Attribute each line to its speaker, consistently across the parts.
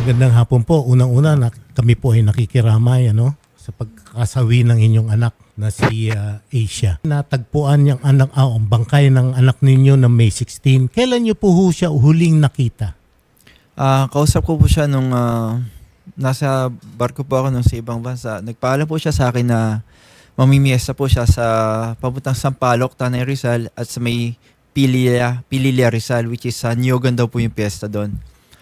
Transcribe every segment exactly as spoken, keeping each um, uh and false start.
Speaker 1: Magandang hapon po. Unang-una, na, kami po ay nakikiramay ano, sa pagkakasawi ng inyong anak na si uh, Asia. Natagpuan yung anak, ah, ang bangkay ng anak ninyo na May sixteen. Kailan niyo po ho siya huling nakita?
Speaker 2: Ah, kausap ko po siya nung ah, nasa barko po ako nung sa ibang bansa. Nagpaalam po siya sa akin na mamimiesta po siya sa papuntang Sampaloc, Tanay Rizal at sa may Pililla, Pililla Rizal, which is sa Niogan daw po yung piyesta doon.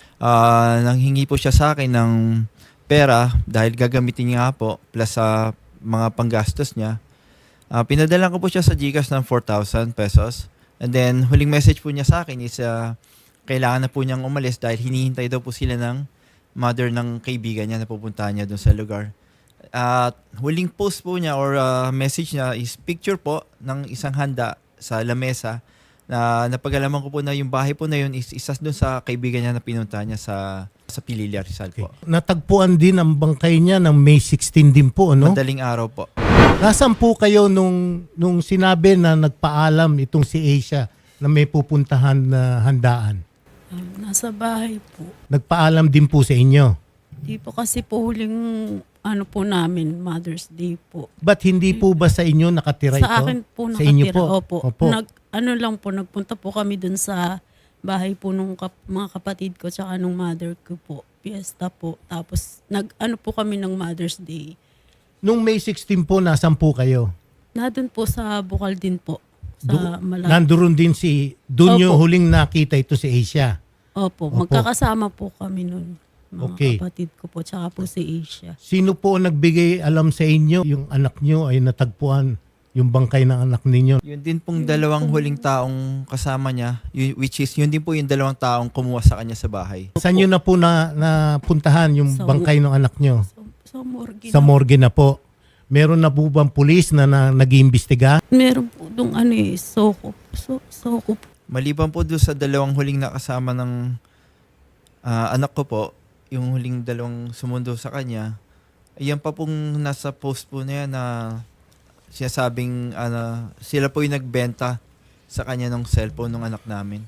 Speaker 2: Ah, nanghingi po siya sa akin ng pera dahil gagamitin niya po plus sa mga panggastos niya. Ah, pinadala ko po siya sa GCash ng four thousand pesos. And then huling message po niya sa akin is ah, kailangan na po niyang umalis dahil hinihintay daw po sila ng mother ng kaibigan niya na pupuntahan niya doon sa lugar. At huling post po niya or uh, message niya is picture po ng isang handa sa lamesa na napag-alaman ko po na yung bahay po na yun is isa doon sa kaibigan niya na pinuntahan niya sa sa Pililla Rizal po.
Speaker 1: Okay. Natagpuan din ang bangkay niya ng May sixteen din po, ano?
Speaker 2: Madaling araw po.
Speaker 1: Nasaan po kayo nung, nung sinabi na nagpaalam itong si Asia na may pupuntahan na handaan?
Speaker 3: Um, nasa bahay po.
Speaker 1: Nagpaalam din po sa inyo?
Speaker 3: Di po kasi po huling ano po namin, Mother's Day po.
Speaker 1: Ba't hindi po ba sa inyo nakatira ito?
Speaker 3: Sa akin po
Speaker 1: Sa inyo
Speaker 3: nakatira.
Speaker 1: po?
Speaker 3: Opo.
Speaker 1: Opo.
Speaker 3: Nag, ano lang po, nagpunta po kami dun sa bahay po nung kap, mga kapatid ko tsaka nung mother ko po. Fiesta po. Tapos nag ano po kami ng Mother's Day.
Speaker 1: Nung May sixteen po, nasan po kayo?
Speaker 3: Nandun po sa Bukal din po. Sa
Speaker 1: Do-
Speaker 3: Malaki.
Speaker 1: Nandoon din si, doon yung
Speaker 3: Opo.
Speaker 1: huling nakita ito si Asia.
Speaker 3: Opo.
Speaker 1: Opo.
Speaker 3: Magkakasama po kami nun. Mga
Speaker 1: Okay.
Speaker 3: kapatid ko po tsaka po si Asia.
Speaker 1: Sino po ang nagbigay alam sa inyo yung anak nyo ay natagpuan yung bangkay ng anak ninyo?
Speaker 2: Yun din pong dalawang huling taong kasama niya, y- which is yun din po yung dalawang taong kumuha sa kanya sa bahay.
Speaker 1: Saan nyo na po na, napuntahan yung
Speaker 3: Sa-
Speaker 1: bangkay ng anak nyo?
Speaker 3: So, sa morgue
Speaker 1: Sa
Speaker 3: na-
Speaker 1: morgue na po. Meron na po bang pulis na, na nag-iimbestiga?
Speaker 3: Meron po dong ano eh, soko. So, soko po.
Speaker 2: Maliban po doon sa dalawang huling nakasama ng ah, anak ko po, yung huling dalawang sumundo sa kanya, ayan pa pong nasa post po na yan na sinasabing ano, sila po yung nagbenta sa kanya ng cellphone ng anak namin.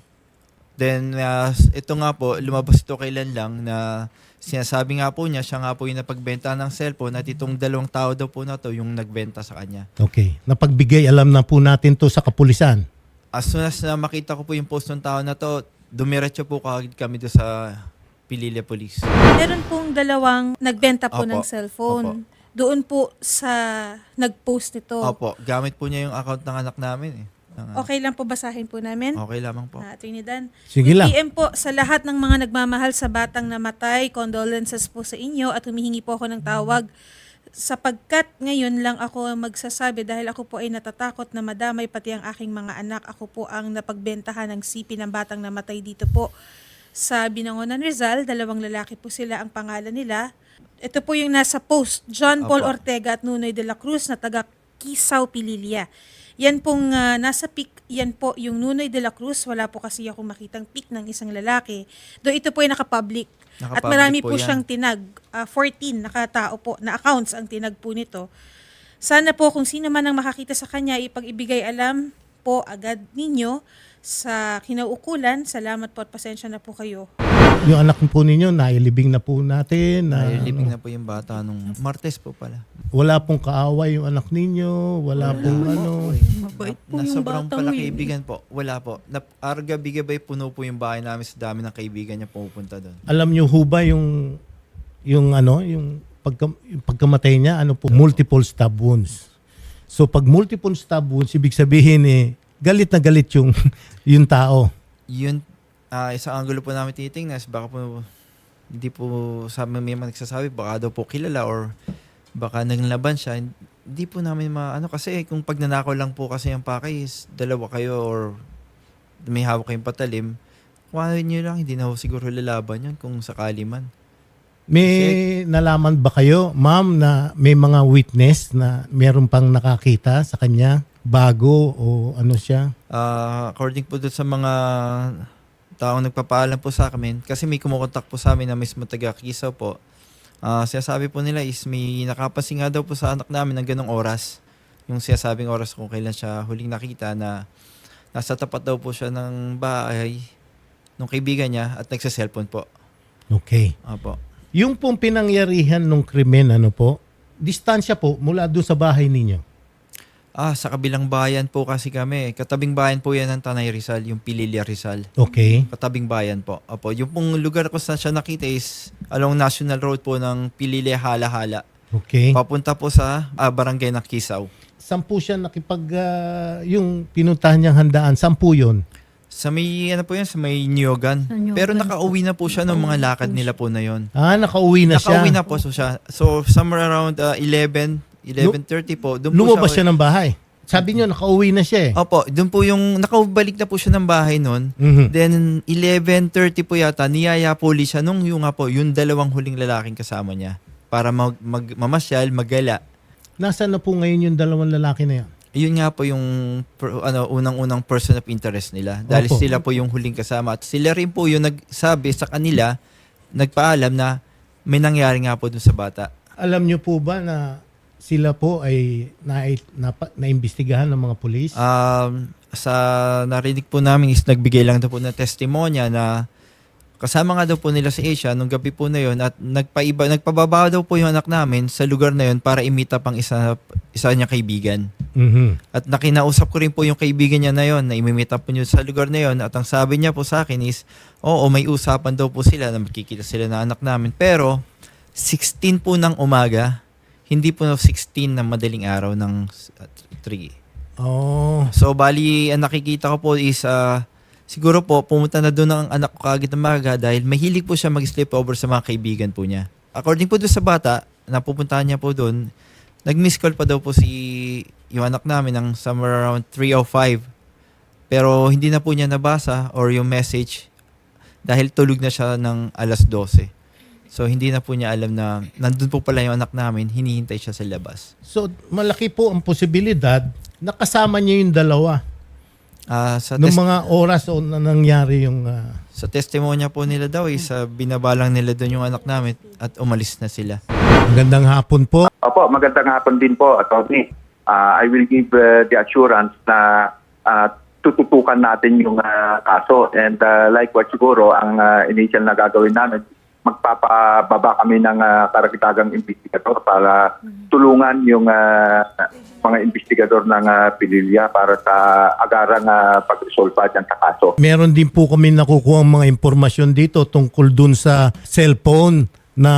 Speaker 2: Then, uh, ito nga po, lumabas ito kailan lang na sinasabi nga po niya, siya nga po yung napagbenta ng cellphone at itong dalawang tao daw po na to yung nagbenta sa kanya.
Speaker 1: Okay. Napagbigay alam na po natin to sa kapulisan.
Speaker 2: As soon as na makita ko po yung post ng tao na to, dumiretso po kagad kami doon sa Pililla Police.
Speaker 4: Meron pong dalawang nagbenta po
Speaker 2: Opo.
Speaker 4: ng cellphone.
Speaker 2: Opo.
Speaker 4: Doon po sa nag-post nito.
Speaker 2: Opo, gamit po niya yung account ng anak namin eh. Ng-
Speaker 4: Okay lang po basahin po namin.
Speaker 2: Okay lamang po.
Speaker 4: Ah, Attorney Dan.
Speaker 1: Sige lang.
Speaker 4: P M po sa lahat ng mga nagmamahal sa batang namatay. Condolences po sa inyo at humihingi po ako ng tawag sapagkat ngayon lang ako magsasabi dahil ako po ay natatakot na madamay pati ang aking mga anak. Ako po ang napagbentahan ng sipi ng batang namatay dito po sa Binangonan Rizal. Dalawang lalaki po sila, ang pangalan nila. Ito po yung nasa post, John Paul
Speaker 2: Opo.
Speaker 4: Ortega at Nunoy de la Cruz na taga Kisaw, Pililla. Yan pong ah, nasa pic, yan po yung Nunoy de la Cruz. Wala po kasi ako makitang pic ng isang lalaki. Do ito po ay nakapublic. At
Speaker 2: Nakapublic
Speaker 4: marami
Speaker 2: po
Speaker 4: po
Speaker 2: yan.
Speaker 4: siyang tinag. ah, fourteen nakatao po na accounts ang tinag po nito. Sana po kung sino man ang makakita sa kanya, ipag-ibigay alam po agad ninyo sa kinauukulan. Salamat po at pasensya na po kayo.
Speaker 1: Yung anak po ninyo, nailibing na po natin. Na,
Speaker 2: Nailibing
Speaker 1: ano,
Speaker 2: na po yung bata nung Martes po pala.
Speaker 1: wala pong kaaway yung anak ninyo. Wala pong ano.
Speaker 3: Mabait po
Speaker 2: Na
Speaker 3: yung
Speaker 2: sobrang
Speaker 3: batang
Speaker 2: pala
Speaker 3: yun.
Speaker 2: kaibigan po. Wala po. Na, arga-bigabay puno po yung bahay namin sa dami ng kaibigan niya pumupunta doon.
Speaker 1: Alam nyo ho ba yung, yung ano, yung, pagka, yung pagkamatay niya, ano po, multiple stab wounds. So pag multiple stab wounds, ibig sabihin eh, galit na galit yung, yung tao.
Speaker 2: Yun, ah isang angulo po namin tinitingnan. Baka po, hindi po sa may mga nagsasabi, baka daw po kilala or baka naglaban siya. Hindi po namin maano kasi kung pag nanakaw lang po kasi yung pakay is dalawa kayo or may hawak kayong patalim, kuhanin nyo lang, hindi na ho siguro lalaban yun kung sakali man.
Speaker 1: May nalaman ba kayo, ma'am, na may mga witness na meron pang nakakita sa kanya bago o ano siya?
Speaker 2: Ah, according po doon sa mga taong nagpapaalam po sa amin, kasi may kumukontak po sa amin na mismo taga Kisaw po, ah sinasabi po nila is may nakapansin nga daw po sa anak namin ng ganong oras. Yung sinasabing oras kung kailan siya huling nakita na nasa tapat daw po siya ng bahay ng kaibigan niya at nagsa-cellphone po.
Speaker 1: Okay.
Speaker 2: Opo.
Speaker 1: Yung pong pinangyarihan ng krimen, ano po, distansya po mula doon sa bahay ninyo.
Speaker 2: Ah, sa kabilang bayan po kasi kami. Katabing bayan po yan ng Tanay Rizal, yung Pililla Rizal.
Speaker 1: Okay.
Speaker 2: Katabing bayan po. Opo, yung pong lugar ko saan siya nakita is along National Road po ng Pililla Hala-Hala.
Speaker 1: Okay.
Speaker 2: Papunta po sa ah, barangay ng Kisaw.
Speaker 1: Saan po siya nakipag, ah, yung pinuntahan niyang handaan, saan po yun?
Speaker 2: Sa may, ano po yan, sa may Nyogan.
Speaker 3: Sa Nyogan
Speaker 2: Pero
Speaker 3: po.
Speaker 2: nakauwi na po siya ng mga lakad nila po na yon.
Speaker 1: Ah, nakauwi na siya.
Speaker 2: Nakauwi na po so siya. So, somewhere around uh, eleven, eleven thirty po. Doon po
Speaker 1: Lumabas siya
Speaker 2: siya.
Speaker 1: ng bahay. Sabi niyo, nakauwi na siya eh.
Speaker 2: Opo, doon po yung, nakabalik na po siya ng bahay noon.
Speaker 1: Mhm.
Speaker 2: Then, eleven thirty po yata, niyaya po ulit siya nung yung nga po, yung dalawang huling lalaking kasama niya. Para mag, mag, mamasyal, maggala.
Speaker 1: Nasaan na po ngayon yung dalawang lalaki na yan?
Speaker 2: Yun nga po yung per- ano, unang-unang person of interest nila. Dahil
Speaker 1: Opo.
Speaker 2: sila po yung huling kasama. At sila rin po yung nagsabi sa kanila, nagpaalam na may nangyari nga po dun sa bata.
Speaker 1: Alam niyo po ba na sila po ay na, na, naimbestigahan ng mga pulis?
Speaker 2: Um, sa narinig po namin is nagbigay lang daw po ng testimonya na kasama nga daw po nila si Asia nung gabi po na yon at nagpaiba, nagpababa daw po yung anak namin sa lugar na yon para imita pang isa, isa niya kaibigan.
Speaker 1: Mhm.
Speaker 2: At nakinausap ko rin po yung kaibigan niya na yon na imimita po niyo sa lugar na yon at ang sabi niya po sa akin is, oo, may usapan daw po sila na makikita sila na anak namin. Pero sixteen po ng umaga, hindi po sixteen ng madaling araw ng three.
Speaker 1: Oh.
Speaker 2: So bali, ang nakikita ko po is ah, siguro po pumunta na doon ang anak ko kagad ng maga dahil mahilig po siya mag-sleep over sa mga kaibigan po niya. According po doon sa bata, na pupuntahan niya po doon, nag-miss call pa daw po si yung anak namin ng somewhere around three oh five. Pero hindi na po niya nabasa or yung message dahil tulog na siya ng alas twelve. So hindi na po niya alam na nandun po pala yung anak namin, hinihintay siya sa labas.
Speaker 1: So, malaki po ang posibilidad na kasama niya yung dalawa.
Speaker 2: Ah, sa
Speaker 1: Noong
Speaker 2: test-
Speaker 1: mga oras o na nangyari yung... ah,
Speaker 2: Sa testimonya po nila daw is uh, binabalang nila doon yung anak namin at umalis na sila.
Speaker 1: magandang hapon po.
Speaker 5: Opo, magandang hapon din po, Atty. Uh, I will give uh, the assurance na uh, tututukan natin yung uh, kaso. And uh, likewise siguro, ang uh, initial na gagawin namin, magpapababa kami ng uh, karagdagang investigador para tulungan yung uh, mga investigador ng uh, Pililla para sa agarang uh, pag-resolve dyan sa kaso.
Speaker 1: Meron din po kami nakukuha mga impormasyon dito tungkol dun sa cellphone na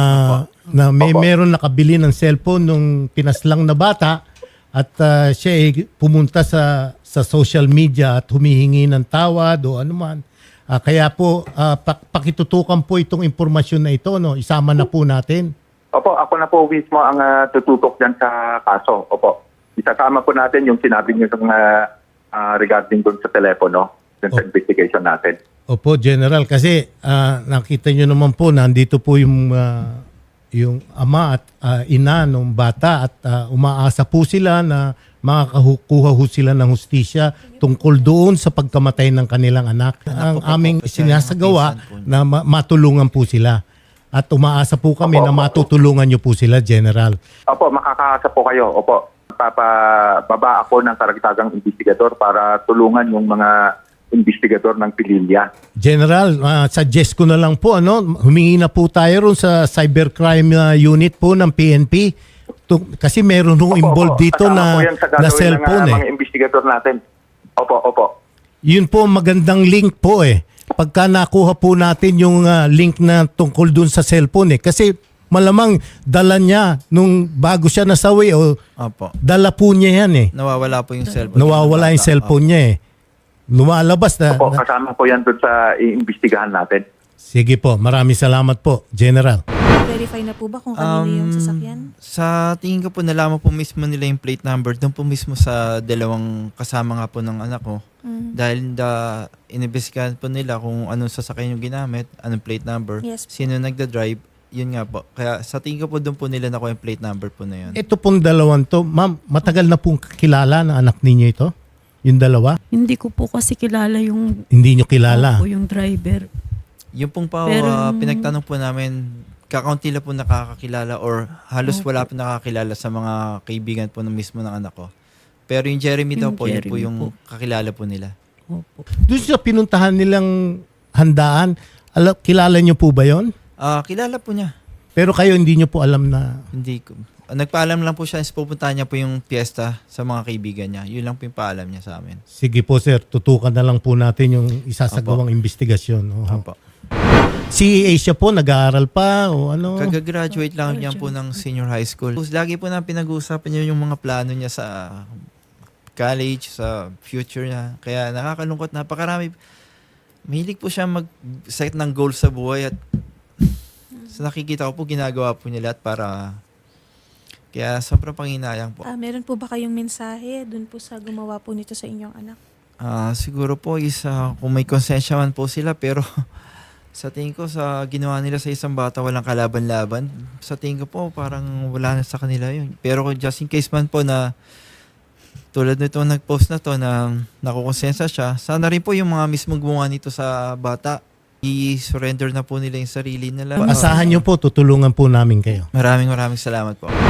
Speaker 1: na may
Speaker 5: Opo.
Speaker 1: meron nakabili ng cellphone nung pinaslang na bata at ah, siya ay pumunta sa sa social media at humihingi ng tawad o anuman. Ah, kaya po ah, pak- pakitutukan po itong impormasyon na ito, no. Isama na po natin.
Speaker 5: Opo, ako na po mismo ang uh, tututok dyan sa kaso. Opo. Isasama po natin yung sinabi niyo ng uh, uh, regarding dun sa telepono, dun sa
Speaker 1: Oh.
Speaker 5: investigation natin.
Speaker 1: Opo, General, kasi ah, nakita nyo naman po nandito po yung ah, yung ama at ah, ina ng bata at ah, umaasa po sila na makakakuha ho sila ng hustisya tungkol doon sa pagkamatay ng kanilang anak. Ang
Speaker 2: po po,
Speaker 1: aming
Speaker 2: siya yung
Speaker 1: sinasagawa
Speaker 2: pinsan po.
Speaker 1: na ma- matulungan po sila. At umaasa po kami
Speaker 5: Opo,
Speaker 1: na
Speaker 5: opo.
Speaker 1: matutulungan nyo po sila, General.
Speaker 5: Opo, makakaasa po kayo. Opo. Papababa ako ng karagdagang investigador para tulungan yung mga investigador ng Pililla.
Speaker 1: General, ah, suggest ko na lang po, ano, humingi na po tayo ron sa cybercrime ah, unit po ng P N P. Tu- kasi meron nung
Speaker 5: Opo,
Speaker 1: involved
Speaker 5: opo.
Speaker 1: dito
Speaker 5: Kasama
Speaker 1: na,
Speaker 5: po yan sa
Speaker 1: na
Speaker 5: gagawin
Speaker 1: cellphone
Speaker 5: ng
Speaker 1: eh.
Speaker 5: uh, mga investigador natin. Opo, opo.
Speaker 1: Yun po ang magandang link po eh. Pagka nakuha po natin yung ah, link na tungkol dun sa cellphone eh. Kasi malamang dala niya nung bago siya nasawi o
Speaker 2: Opo.
Speaker 1: dala po niya yan eh.
Speaker 2: Nawawala po yung cellphone.
Speaker 1: Nawawala yung cellphone niya eh. Lumalabas na.
Speaker 5: Opo,
Speaker 1: na-
Speaker 5: kasama po yan doon sa iimbestigahan natin.
Speaker 1: Sige po, maraming salamat po, General.
Speaker 4: Verify na po ba kung kanino yung
Speaker 2: Um,
Speaker 4: sasakyan?
Speaker 2: Sa tingin ko po, nalaman po mismo nila yung plate number. Doon po mismo sa dalawang kasama nga po ng anak ko.
Speaker 4: Mhm.
Speaker 2: Dahil da, inibestigahan po nila kung anong sasakyan yung ginamit, anong plate number,
Speaker 4: Yes.
Speaker 2: sino nagda-drive, yun nga po. Kaya sa tingin ko po, doon po nila nakuha yung plate number po na yun.
Speaker 1: Ito pong dalawang to, ma'am, matagal na pong kilala ng anak ninyo ito? Yung dalawa?
Speaker 3: Hindi ko po kasi kilala yung
Speaker 1: Hindi nyo kilala?
Speaker 3: po yung driver.
Speaker 2: Yung pong pa,
Speaker 3: Pero-
Speaker 2: ah, pinagtanong po namin, kakaunti lang po nakakakilala or halos wala po nakakilala sa mga kaibigan po ng mismo ng anak ko. Pero yung Jeremy daw
Speaker 3: Yung
Speaker 2: po, yun po
Speaker 3: Jeremy
Speaker 2: yung
Speaker 3: po.
Speaker 2: kakilala po nila.
Speaker 3: Opo.
Speaker 1: Doon sa pinuntahan nilang handaan, ala, kilala nyo po ba yon?
Speaker 2: Ah, kilala po niya.
Speaker 1: Pero kayo hindi nyo po alam na...
Speaker 2: Hindi ko. Nagpaalam lang po siya, is pupuntahan niya po yung piyesta sa mga kaibigan niya. Yun lang po yung paalam niya sa amin.
Speaker 1: Sige po sir, tutukan na lang po natin yung isasagawang investigasyon. Oo.
Speaker 2: Opo.
Speaker 1: Si Asia po, nag-aaral pa o ano?
Speaker 2: Kagagraduate lang niya po ng senior high school. Lagi po na pinag-uusapan niya yung mga plano niya sa college, sa future niya. Kaya nakakalungkot, napakarami. Mahilig po siya mag-set ng goals sa buhay at sa nakikita ko po, ginagawa po niya lahat para... Kaya sobrang panginayang po.
Speaker 4: Ah, meron po ba kayong mensahe dun po sa gumawa po nito sa inyong anak?
Speaker 2: Ah, siguro po is ah, kung may konsensya man po sila, pero sa tingin ko sa ginawa nila sa isang bata walang kalaban-laban, sa tingin ko po parang wala na sa kanila yun. Pero kung just in case man po na tulad nito nag-post na to na nakukonsensya siya, sana rin po yung mga mismong gumawa nito sa bata, i-surrender na po nila yung sarili nila.
Speaker 1: Asahan nyo po, tutulungan po namin kayo.
Speaker 2: Maraming maraming salamat po.